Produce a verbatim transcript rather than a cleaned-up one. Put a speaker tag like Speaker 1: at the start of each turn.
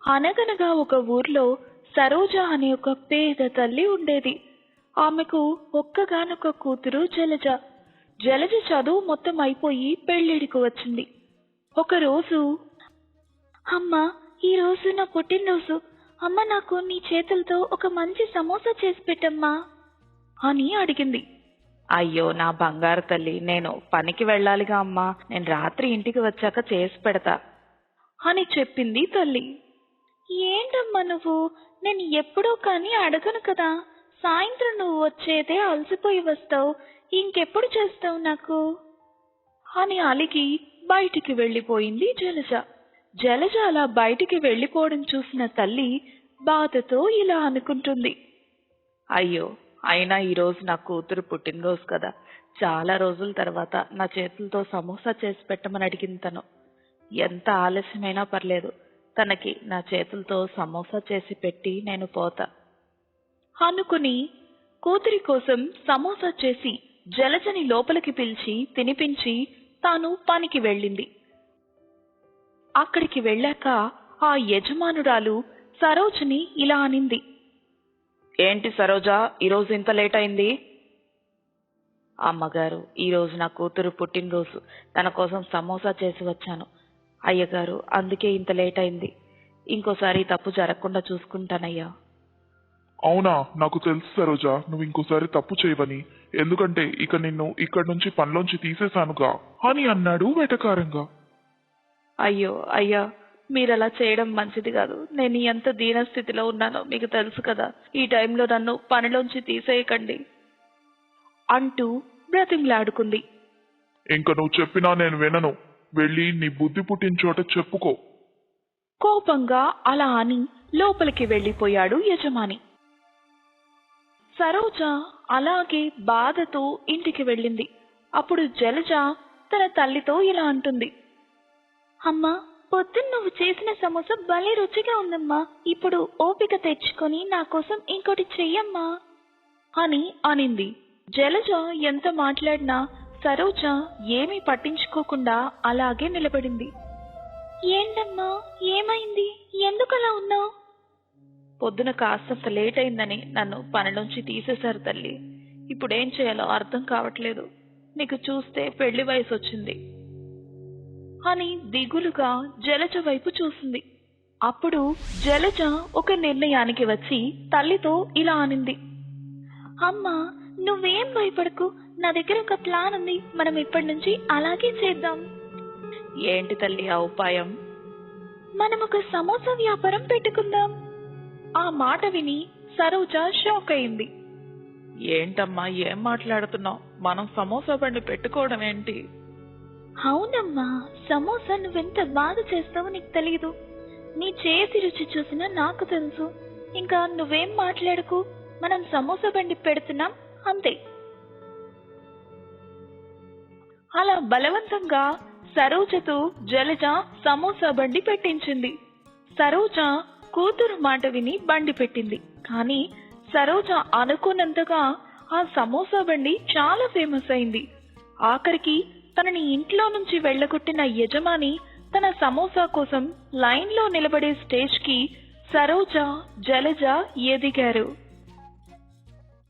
Speaker 1: అనగనగా ఒక ఊర్లో సరోజ అనే ఒక పేద తల్లి ఉండేది. ఆమెకు ఒక్కగానొక్క కూతురు జలజ. జలజ చదువు మొత్తం అయిపోయి పెళ్ళిడికి వచ్చింది. ఒకరోజు, అమ్మ, ఈరోజు నా పుట్టినరోజు. అమ్మ, నాకు నీ చేతులతో ఒక మంచి సమోసా చేసి పెట్టమ్మా అని అడిగింది.
Speaker 2: అయ్యో నా బంగారు తల్లి, నేను పనికి వెళ్ళాలిగా అమ్మా, నేను రాత్రి ఇంటికి వచ్చాక చేసి పెడతా
Speaker 1: అని చెప్పింది తల్లి. ఏంటమ్మా నువ్వు, నేను ఎప్పుడో కానీ అడగను కదా. సాయంత్రం నువ్వు వచ్చేదే అలసిపోయి వస్తావు, ఇంకెప్పుడు చేస్తావు నాకు అని అలిగి బయటికి వెళ్ళిపోయింది జలజ. జలజ అలా బయటికి వెళ్ళిపోవడం చూసిన తల్లి బాధతో ఇలా అనుకుంటుంది.
Speaker 2: అయ్యో, అయినా ఈరోజు నా కూతురు పుట్టినరోజు కదా, చాలా రోజుల తర్వాత నా చేతులతో సమోసా చేసి పెట్టమని అడిగింది తను. ఎంత ఆలస్యమైనా పర్లేదు, తనకి నా చేతులతో సమోసా చేసి పెట్టి నేను పోతా
Speaker 1: అనుకుని కూతురి కోసం సమోసా చేసి జలజని లోపలికి పిలిచి తినిపించి తాను పనికి వెళ్ళింది. అక్కడికి వెళ్ళాక ఆ యజమానురాలు సరోజని ఇలా అనింది.
Speaker 2: ఏంటి సరోజా, ఈరోజు ఇంత లేట్ అయింది? అమ్మగారు, ఈరోజు నా కూతురు పుట్టినరోజు, తన కోసం సమోసా చేసి వచ్చాను అయ్యగారు, అందుకే ఇంత లేట్ అయింది. ఇంకోసారి తప్పు జరగకుండా చూసుకుంటానయ్యా.
Speaker 3: అవునా, నాకు తెలుసు సరోజ, నువ్వు ఇంకోసారి తప్పు చేయవని, ఎందుకంటే ఇక నిన్ను ఇక్కడి నుంచి పనిలోంచి తీసేశానుగా అని అన్నాడు వెటకారంగా.
Speaker 2: అయ్యో అయ్యా, మీరలా చేయడం మంచిది కాదు. నేను ఎంత దీనస్థితిలో ఉన్నానో మీకు తెలుసు కదా. ఈ టైంలో నన్ను పనిలోంచి తీసేయకండి
Speaker 1: అంటూ బ్రతిమలాడుకుంది.
Speaker 3: ఇంక నువ్వు చెప్పినా నేను వినను, వెళ్ళి నీ బుద్ధి పుట్టిన చోట చెప్పుకో.
Speaker 1: కోపంగా అలా అని లోపలికి వెళ్ళిపోయాడు యజమాని. సరోజ అలాగే బాధతో ఇంటికి వెళ్ళింది. అప్పుడు జలజ తన తల్లితో ఇలా అంటుంది. అమ్మా, పొద్దున్న నువ్వు చేసిన సమోసా భలే రుచిగా ఉందమ్మా, ఇప్పుడు ఓపిక తెచ్చుకొని నా కోసం ఇంకోటి చెయ్యమ్మా అని అనింది. జలజ ఎంత మాట్లాడినా సరోజ ఏమీ పట్టించుకోకుండా అలాగే నిలబడింది. ఏంటమ్మా, ఏమైంది, ఎందుకలా ఉన్నావు?
Speaker 2: పొద్దున కాస్తంత లేట్ అయిందని నన్ను పనిలోంచి తీసేశారు తల్లి. ఇప్పుడేం చేయాలో అర్థం కావట్లేదు. నీకు చూస్తే పెళ్లి వయసు వచ్చింది
Speaker 1: అని దిగులుగా జలజ వైపు చూసింది. అప్పుడు జలజ ఒక నిర్ణయానికి వచ్చి తల్లితో ఇలా అనింది. అమ్మా, నువ్వేం భయపడకు, నా దగ్గర ఒక ప్లాన్ ఉంది, మనం ఇప్పటి నుంచి అలాగే చేద్దాం.
Speaker 2: ఏంటి తల్లి ఆ ఉపాయం?
Speaker 1: మనం ఒక సమోసా వ్యాపారం పెట్టుకుందాం. ఆ మాట విని సరోజ షాక్ అయింది.
Speaker 2: ఏంటమ్మా, ఏం మాట్లాడుతున్నావు? మనం సమోసా బండి పెట్టుకోవడం ఏంటి?
Speaker 1: అవునమ్మా, సమోసా నువ్వెంత బాగా చేస్తావో నీకు తెలీదు. నీ చేతి రుచి చూసినా నాకు తెలుసు. ఇంకా నువ్వేం మాట్లాడుకు, మనం సమోసా బండి పెడుతున్నాం అంతే. అలా బలవంతంగా సరోజతో జలజ సమోసా బండి పెట్టించింది. సరోజ కూతురు మాట విని బండి పెట్టింది. కానీ సరోజ అనుకున్నంతగా ఆ సమోసా బండి చాలా ఫేమస్ అయింది. ఆఖరికి తనని ఇంట్లో నుంచి వెళ్ళగొట్టిన యజమాని తన సమోసా కోసం లైన్లో నిలబడే స్టేజ్ కి సరోజ, జలజ ఎదిగారు.